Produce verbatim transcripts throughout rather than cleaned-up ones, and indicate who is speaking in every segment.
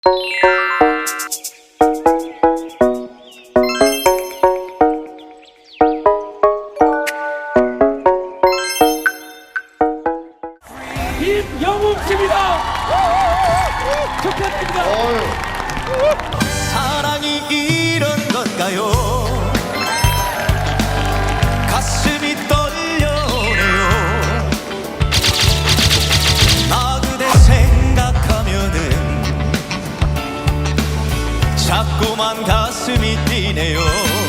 Speaker 1: 김영웅 씨입니다. 축하드립니다.
Speaker 2: 사랑이 이런 건가요? 가슴이 떨려오네요. 나 그대 생각하면은 자꾸만 가슴이 뛰네요.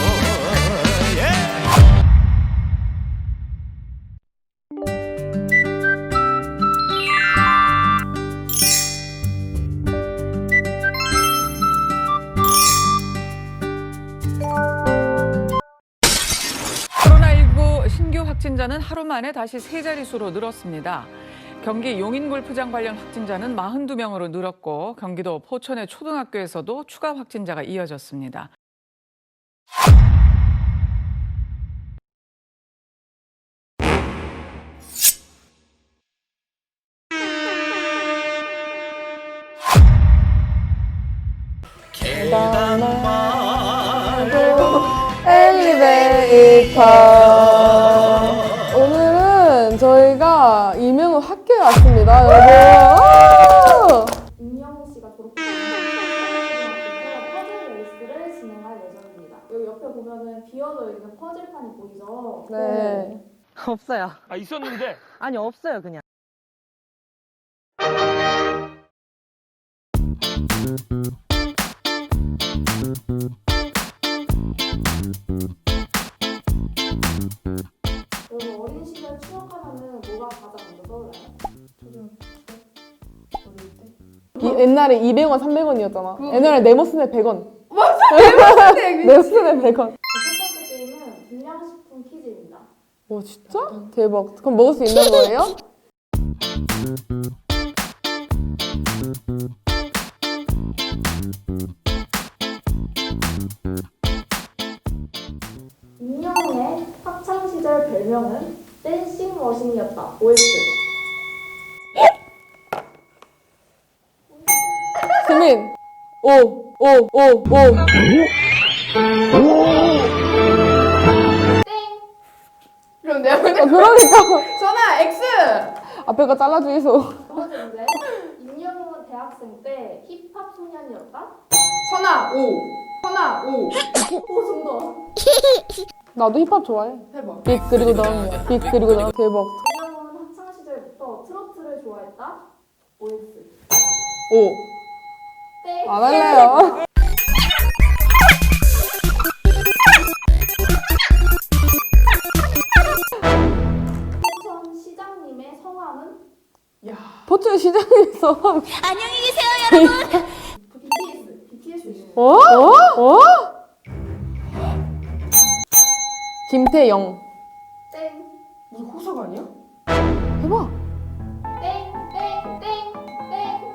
Speaker 3: 코로나십구 신규 확진자는 하루 만에 다시 세 자릿수로 늘었습니다. 경기 용인골프장 관련 확진자는 사십이 명으로 늘었고 경기도 포천의 초등학교에서도 추가 확진자가 이어졌습니다.
Speaker 2: 계단 말고
Speaker 4: 엘리베이터. 오늘은 저희가 이명우 학교에 왔습니다, 여러분.
Speaker 5: 임영웅 씨가 졸업한 퍼즐 레이스를 진행할 예정입니다. 여기 옆에 보면은 비어져 있는 퍼즐판이 보이죠?
Speaker 4: 네.
Speaker 6: 없어요.
Speaker 1: 아 있었는데.
Speaker 6: 아니 없어요 그냥.
Speaker 5: 여러분 어린 시절 추억하면은 뭐가 가장 먼저 떠올라요?
Speaker 4: 이, 옛날에 이백 원, 삼백 원이었잖아. 옛날에 네모스네 백 원. 맞아! 네모스네 네모스네 백 원.
Speaker 5: 첫 번째 게임은 불량식품 퀴즈입니다.
Speaker 4: 와, 진짜? 대박. 그럼 먹을 수 있는 거예요?
Speaker 5: 임영웅의 학창시절 별명은 댄싱 머신이었다. 오에스.
Speaker 4: 수민. 오, 오, 오, 오.
Speaker 5: 그럼 내가
Speaker 4: 어, 그러니까.
Speaker 5: 전화 X!
Speaker 4: 앞에 거 잘라주이소.
Speaker 5: 두 번째 문제. 임영웅은 대학생 때 힙합 소년이었다.
Speaker 7: 선아 오 선아 오
Speaker 5: 오 정답.
Speaker 4: 나도 힙합 좋아해.
Speaker 7: 해봐.
Speaker 4: 빅 그리고 넌. 빅 그리고 넌. 대박.
Speaker 5: 임영웅은 학창시절부터 트로트를 좋아했다. 오에스.
Speaker 4: 오.
Speaker 5: 땡.
Speaker 4: 안 할래요.
Speaker 5: 포천 시장님의 성함은
Speaker 4: 포춘 시장에서.
Speaker 5: 비티에스. 비티에스.
Speaker 4: 어? 어? 어? 김태영.
Speaker 5: 땡.
Speaker 7: 무슨 호석 아니야?
Speaker 4: 해봐.
Speaker 5: 땡. 땡. 땡. 땡.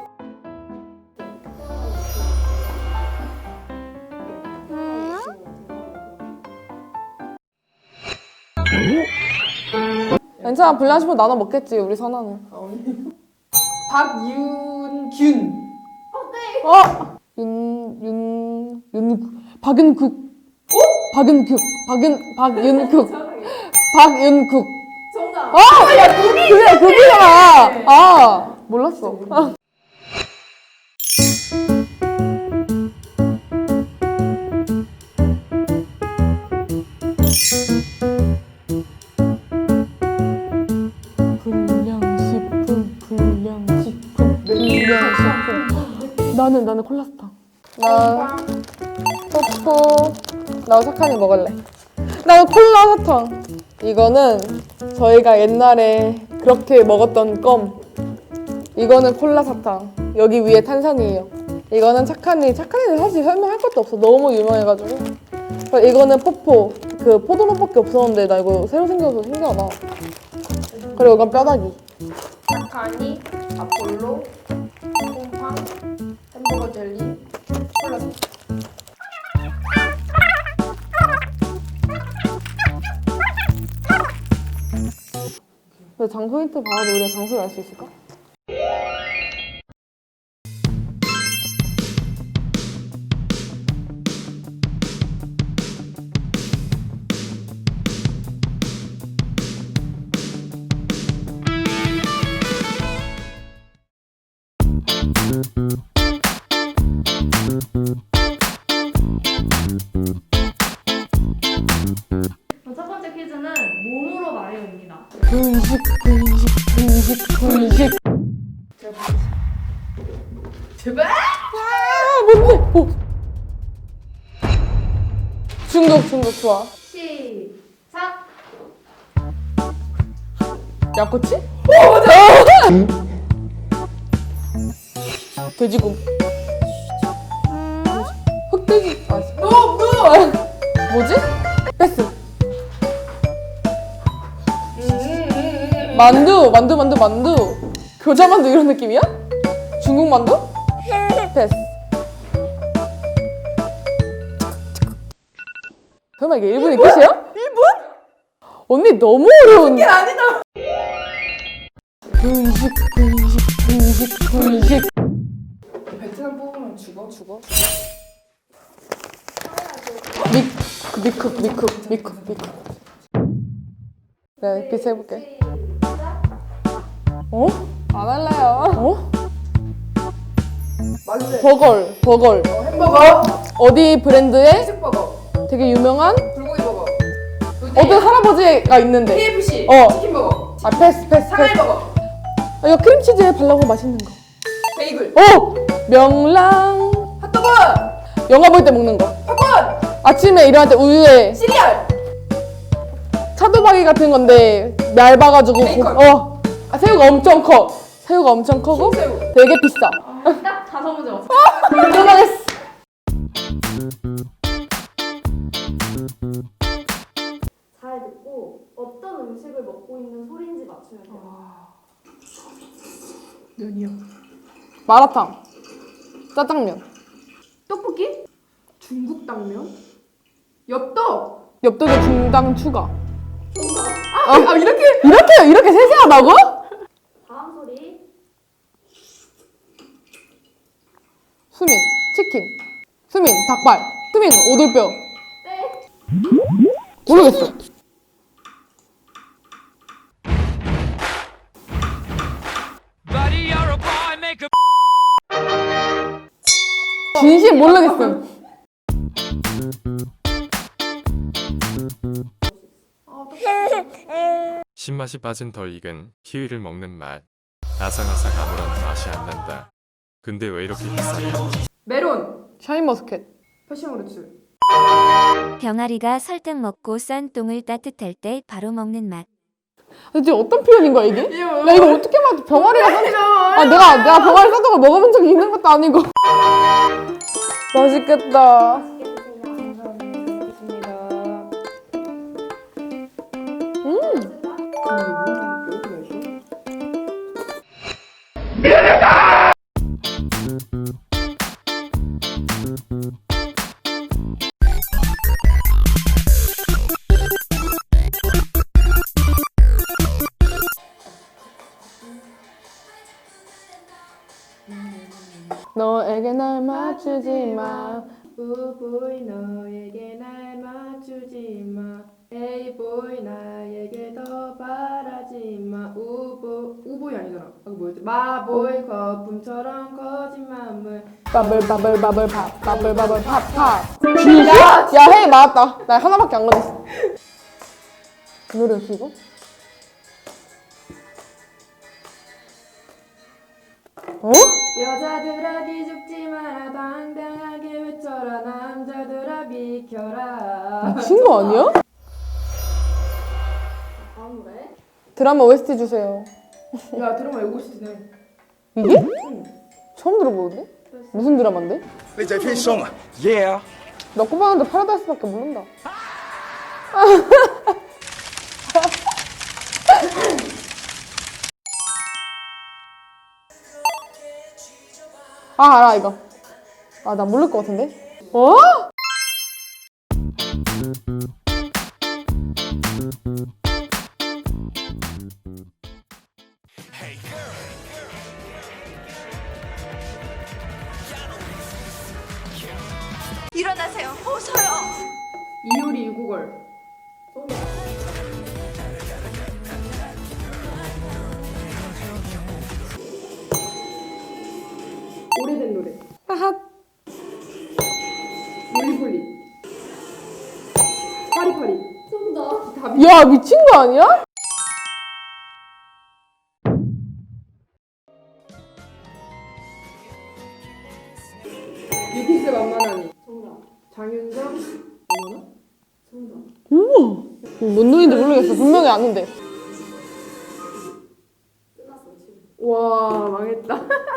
Speaker 4: 괜찮아, 불량식품 나눠 먹겠지, 우리 선아는.
Speaker 7: 박윤균
Speaker 4: 어? 윤, 윤, 윤, 박윤국. 어? 박윤국. 박윤, 박윤국. 박윤국.
Speaker 5: 정답.
Speaker 4: 아! 야, 국이! 그래, 국이잖아! 아, 몰랐어. 불량식품, 불량식품, 불량식품. 나는, 나는 콜라스타. 나, 뽀뽀. 나 착하니 먹을래. 나는 콜라 사탕. 이거는 저희가 옛날에 그렇게 먹었던 껌. 이거는 콜라 사탕. 여기 위에 탄산이에요. 이거는 착하니. 착하니는 사실 설명할 것도 없어. 너무 유명해가지고. 그리고 이거는 포포. 그 포도맛밖에 없었는데 나 이거 새로 생겨서 신기하다. 그리고 이건 뼈다귀.
Speaker 7: 착하니 아폴로 콩팡 햄버거 젤리 콜라
Speaker 4: 근데 장소 힌트 봐도 우리가 장소를 알 수 있을까? 뭔데? 어. 중국 중국 좋아.
Speaker 5: 시작.
Speaker 4: 야꼬치? 오 맞아. 돼지곰. 흑돼지. 아, 너 너. 뭐지? 패스. 만두 만두 만두 만두. 교자 만두 이런 느낌이야? 중국 만두? 패스. 설마 이게 일 분이 끝이야? 일 분? 언니 너무 어려운. 이게 아니다. 분식 분식 분식 분식.
Speaker 7: 베트남 뽑으면 죽어? 죽어?
Speaker 4: 미, 그 미쿡 미쿡 미쿡 미쿡. 네, 비슷 해볼게. 어? 안 할래요. 어?
Speaker 7: 말래.
Speaker 4: 버걸 버걸.
Speaker 7: 어, 햄버거.
Speaker 4: 어디 브랜드의
Speaker 7: 치즈버거.
Speaker 4: 되게 유명한
Speaker 7: 불고기버거.
Speaker 4: 어떤 할아버지가 있는데.
Speaker 7: 케이에프씨.
Speaker 4: 어.
Speaker 7: 치킨버거.
Speaker 4: 아 패스 패스 패스.
Speaker 7: 상하이버거.
Speaker 4: 아, 이거 크림치즈에 발라고 맛있는 거.
Speaker 7: 베이글.
Speaker 4: 어! 명랑.
Speaker 7: 핫도그.
Speaker 4: 영화 볼 때 먹는 거.
Speaker 7: 팝콘.
Speaker 4: 아침에 일어날 때 우유에
Speaker 7: 시리얼.
Speaker 4: 차돌박이 같은 건데 얇아가지고
Speaker 7: 베이컨.
Speaker 4: 고- 어. 아, 새우가 엄청 커. 새우가 엄청 크고
Speaker 7: 흰새우.
Speaker 4: 되게 비싸.
Speaker 5: 딱 다섯 문제 맞췄어.
Speaker 4: 끝나겠어.
Speaker 5: 잘 듣고 어떤 음식을 먹고 있는 소리인지 맞추면 돼요.
Speaker 7: 면이요.
Speaker 4: 마라탕. 짜장면.
Speaker 7: 떡볶이? 중국 당면? 엽떡.
Speaker 4: 엽떡에 중당 추가.
Speaker 7: 아, 아 이렇게?
Speaker 4: 이렇게 이렇게 세세하다고?
Speaker 5: 다음 소리.
Speaker 4: 수민 치킨. 수민 닭발. 수민 오돌뼈.
Speaker 5: 네.
Speaker 4: 모르겠어.
Speaker 1: Buddy, you're a boy, make a
Speaker 4: 진심 모르겠음.
Speaker 8: 신맛이 빠진 덜 익은 키위를 먹는 맛. 아삭아삭 아무런 맛이 안 난다. 근데 왜 이렇게 비싸냐?
Speaker 7: 메론.
Speaker 4: 샤인머스켓.
Speaker 7: 패션후르츠.
Speaker 9: 병아리가 설탕 먹고 싼 똥을 따뜻할 때 바로 먹는 맛.
Speaker 4: 대체 어떤 표현인 거야 이게?
Speaker 7: 이거
Speaker 4: 나 이거 어떻게 맞아? 병아리가 싼 아, 내가 내가 병아리 싼 걸 먹어본 적이 있는 것도 아니고. 맛있겠다.
Speaker 5: 맛있게 드세요. 감사합니다.
Speaker 4: 너에게 날 맞추지 마.
Speaker 7: 우보이 너에게 날 맞추지 마. 에이보이 나에게 더 바라지 마. 우보 우보이 아니잖아. 아, 그 뭐였지? 마보이 거품처럼 거짓말을.
Speaker 4: 바블 바블 바블 팝 바블 바블 팝팝. 진짜? 야, 헤이 맞았다. 나 하나밖에 안 걸렸어. 그 노래였어 이거? 어?
Speaker 7: 여자들아 기죽지 마라 당당하게 외쳐라 남자들아 비켜라.
Speaker 4: 미친 거 아니야?
Speaker 5: 다음 노래.
Speaker 4: 드라마 오에스티 주세요.
Speaker 7: 야 드라마 이거 시트네.
Speaker 4: 이게? 처음 들어보는데? 무슨 드라마인데?
Speaker 2: 你在偏松啊 Yeah
Speaker 4: 나 꼬봤는데 파라다이스밖에 모른다. 아 알아 이거. 아 나 모를 것 같은데? 어?
Speaker 9: 일어나세요. 어서요.
Speaker 7: 이효리 유구걸. 오래된 노래.
Speaker 4: 하하.
Speaker 7: 물리폴리. 파리파리.
Speaker 5: 정답.
Speaker 7: 답이.
Speaker 4: 야 미친 거 아니야?
Speaker 7: 비기스 만만하니.
Speaker 5: 정답.
Speaker 7: 장윤정. 어머나?
Speaker 5: 정답.
Speaker 4: 우와. 뭔 노래인지 모르겠어. 분명히 아는데.
Speaker 5: 끝났어 지금.
Speaker 7: 와 망했다.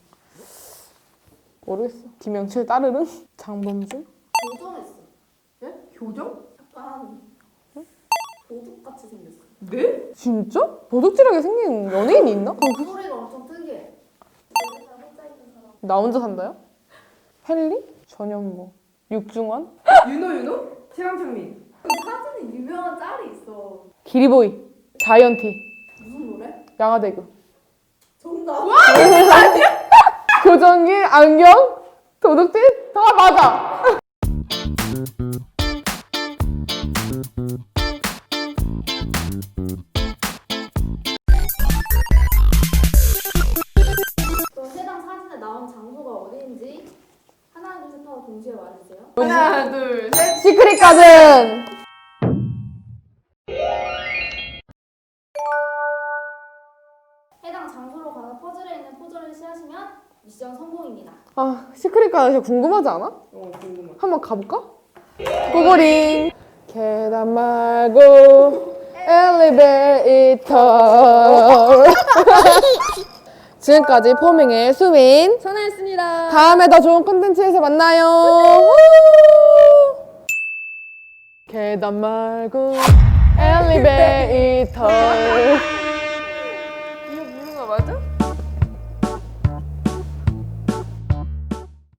Speaker 4: 모르겠어. 김영철 따르릉? 장범준?
Speaker 5: 교정했어.
Speaker 7: 예? 교정?
Speaker 5: 약간 도둑같이 생겼어.
Speaker 7: 네?
Speaker 4: 진짜? 도둑질하게 생긴 연예인이 있나? 거기?
Speaker 5: 소리가 엄청 특이해. 여기서 혼자 있는 사람.
Speaker 4: 나 혼자 산다요? 헨리? 전현무. 육중원?
Speaker 7: 윤호 윤호? 최강창민.
Speaker 5: 그 사진에 유명한 짤이 있어.
Speaker 4: 기리보이. 자이언티.
Speaker 5: 무슨 노래?
Speaker 4: 양화대교.
Speaker 5: 정답.
Speaker 4: 교정기, 안경, 도둑질 다 맞아.
Speaker 5: 그럼 해당 사진에 나온 장소가 어디인지 하나 둘 셋 하고 동시에 말해주세요.
Speaker 7: 하나 둘 셋.
Speaker 4: 시크릿 가든.
Speaker 5: 해당 장소로 가는 퍼즐에 있는 포즈를 취하시면 미션 성공입니다.
Speaker 4: 아, 시크릿 가든 진짜 궁금하지 않아?
Speaker 7: 어 궁금해.
Speaker 4: 한번 가볼까? 고고링. 계단 말고 엘리베이터. 지금까지 포밍의 수민.
Speaker 7: 전화했습니다.
Speaker 4: 다음에 더 좋은 콘텐츠에서 만나요. 계단 말고 엘리베이터.